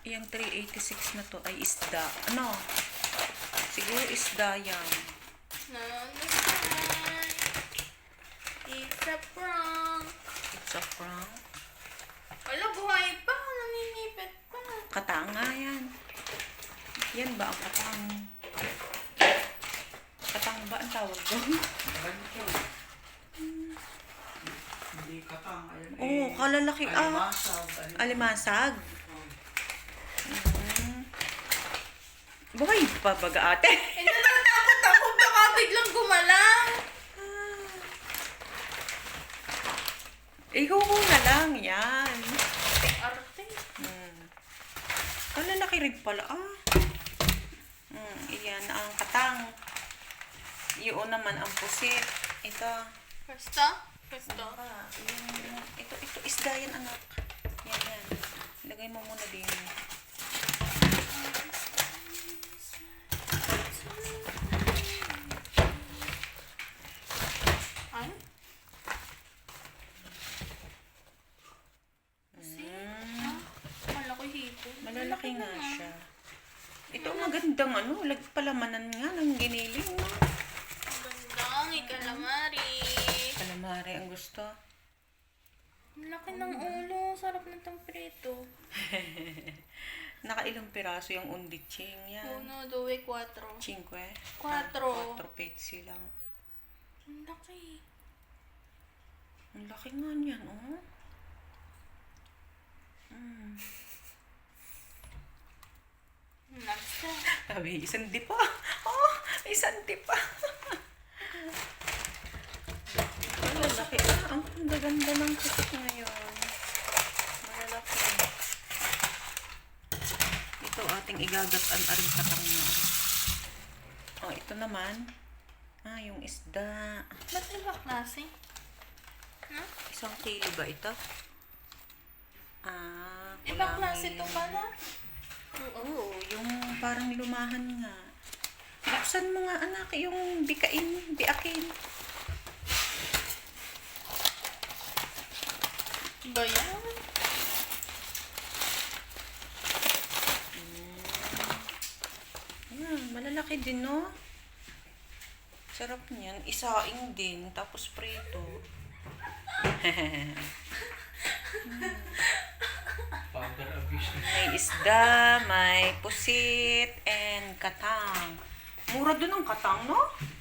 Yung 386 na to ay isda. Ano? Siguro isda yan. No, it's a prank. It's a prank. Wala, buhay pa. Naninipit pa. Katanga yan. Yan ba ang katang? Katang ba ang tawag doon? Hindi katang. Ayun, Oo, kalalaki. alimasag. Alimasag. Buhay pa baga ate? Eh, natatakot ako. Baka biglang gumalaw. Ihuhu na lang yan. Arte. Kalalaki rin pala iyan ang katang. Yun naman ang pusit. Ito. Pwesto? Pwesto. Ito isda yan anak. Yan. Lagay mo muna din. Ay? Kala ko hito. Malalaki nga siya. Ito ang magandang palamanan nga ng giniling. No? Magandang ikalamari. Calamari ang gusto. Ang laki ng ulo. Sarap ng tamprito. Nakailang piraso yung undiching yan. 1, 2, 4. 5. 4. 4 petsi lang. Ang laki. Ang laki nga niyan, Next. Sabi, isang di pa. Isang di pa. Malalaki. Ang gaganda ng pusit ngayon. Malalaki. Ito ating igagatan aring katang na. Ito naman. Yung isda. Ba't iba klase? No? 1 kilo ba ito? Iba klase to pala? Oo, yung parang lumahan nga. Buksan mo nga anak yung biakin. Ba yan? Malalaki din, no? Sarap niyan. Isaing din, tapos prito. Powder abuse. May isda, may pusit, and katang. Mura dun ang katang, no?